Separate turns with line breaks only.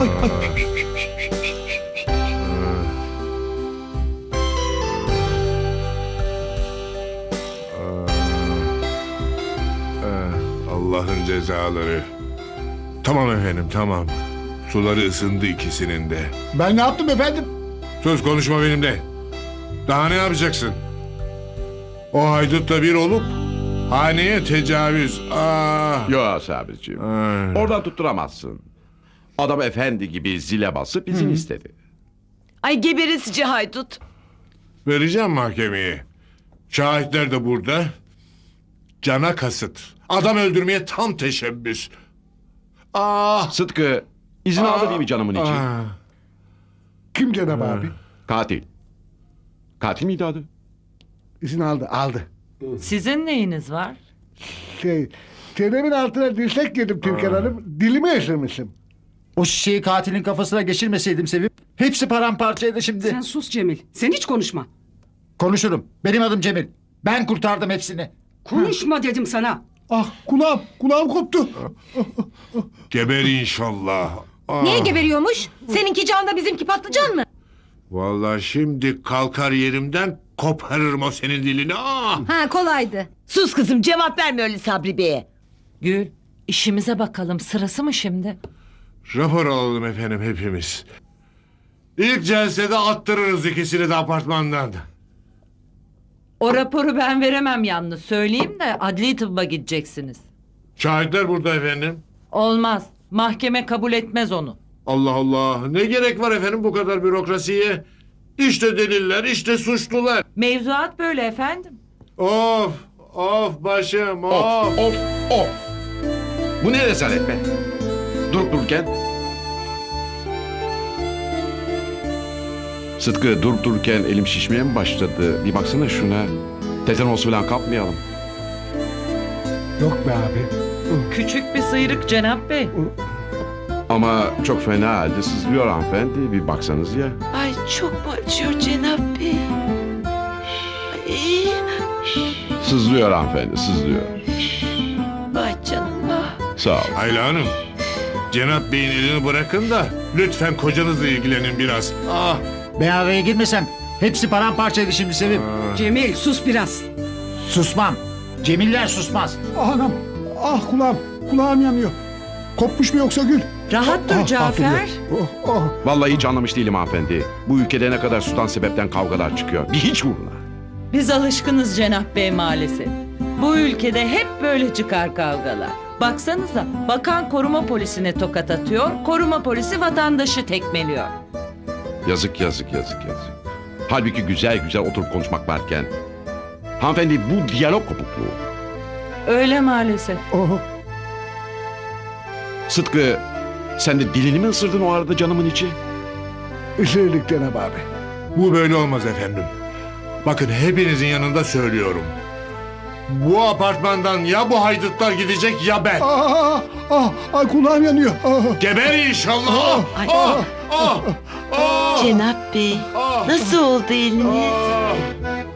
Allah'ın cezaları. Tamam efendim, tamam. Suları ısındı ikisinin de.
Ben ne yaptım efendim?
Sus, konuşma benimle. Daha ne yapacaksın? O haydutla bir olup haneye tecavüz.
Yo Sabriciğim.
Ay.
Oradan tutturamazsın. Adam efendi gibi zile basıp izin istedi.
Ay geberesici haydut.
Vereceğim mahkemeye. Şahitler de burada. Cana kasıt. Adam öldürmeye tam teşebbüs.
Sıtkı izin aldı değil mi canımın için?
Kim Cenab abi?
Katil. Katil miydi adı?
İzin aldı.
Sizin neyiniz var?
Çenemin altına dirsek yedim Türkan Hanım. Dilimi ısırmışım.
O şişeyi katilin kafasına geçirmeseydim Sevim, hepsi paramparçaydı şimdi.
Sen sus Cemil. Sen hiç konuşma.
Konuşurum. Benim adım Cemil. Ben kurtardım hepsini.
Konuşma dedim sana.
Ah kulağım koptu.
Geber inşallah.
Niye geberiyormuş? Seninki can da bizimki patlıcan mı?
Vallahi şimdi kalkar yerimden koparırım o senin dilini.
Ha kolaydı. Sus kızım, cevap verme öyle Sabri Bey'e.
Gül, işimize bakalım, sırası mı şimdi?
Rapor alalım efendim hepimiz. İlk celsede attırırız ikisini de apartmandan.
O raporu ben veremem yalnız, söyleyeyim de adli tıbba gideceksiniz.
Şahitler burada efendim.
Olmaz, mahkeme kabul etmez onu.
Allah Allah, ne gerek var efendim bu kadar bürokrasiye? İşte deliller, işte suçlular.
Mevzuat böyle efendim.
Of başım
Of. Bu ne rezalet be? Durup dururken. Sıtkı durup dururken elim şişmeye mi başladı? Bir baksana şuna. Tetanos falan kapmayalım.
Yok be abi.
Küçük bir sıyrık Cenap Bey.
Ama çok fena halde sızlıyor hanımefendi. Bir baksanız ya.
Ay çok mu acıyor Cenab Bey? Ay,
Sızlıyor hanımefendi, sızlıyor.
vay canım vah.
Sağ ol.
Ayla Hanım, Cenap Bey'in elini bırakın da lütfen kocanızla ilgilenin biraz.
Ben araya girmesem hepsi paramparçaydı şimdi Sevim.
Cemil sus biraz.
Susmam. Cemiller susmaz.
Anam. Kulağım yanıyor. Kopmuş mu yoksa Gül?
Rahat dur Cafer.
Vallahi hiç anlamış değilim hanımefendi. Bu ülkede ne kadar sudan sebepten kavgalar çıkıyor. Bir hiç uğruna.
Biz alışkınız Cenap Bey maalesef. Bu ülkede hep böyle çıkar kavgalar. Baksanıza, bakan koruma polisine tokat atıyor, koruma polisi vatandaşı tekmeliyor.
Yazık. Halbuki güzel oturup konuşmak varken. Hanımefendi bu diyalog kopukluğu.
Öyle maalesef.
Sıtkı sen de dilini mi ısırdın o arada canımın içi?
Isırdık Cenab abi.
Bu böyle olmaz efendim. Bakın hepinizin yanında söylüyorum. Bu apartmandan ya bu haydutlar gidecek ya ben.
Ay kulağım yanıyor.
Geber inşallah.
Cenab Bey, nasıl oldu eliniz?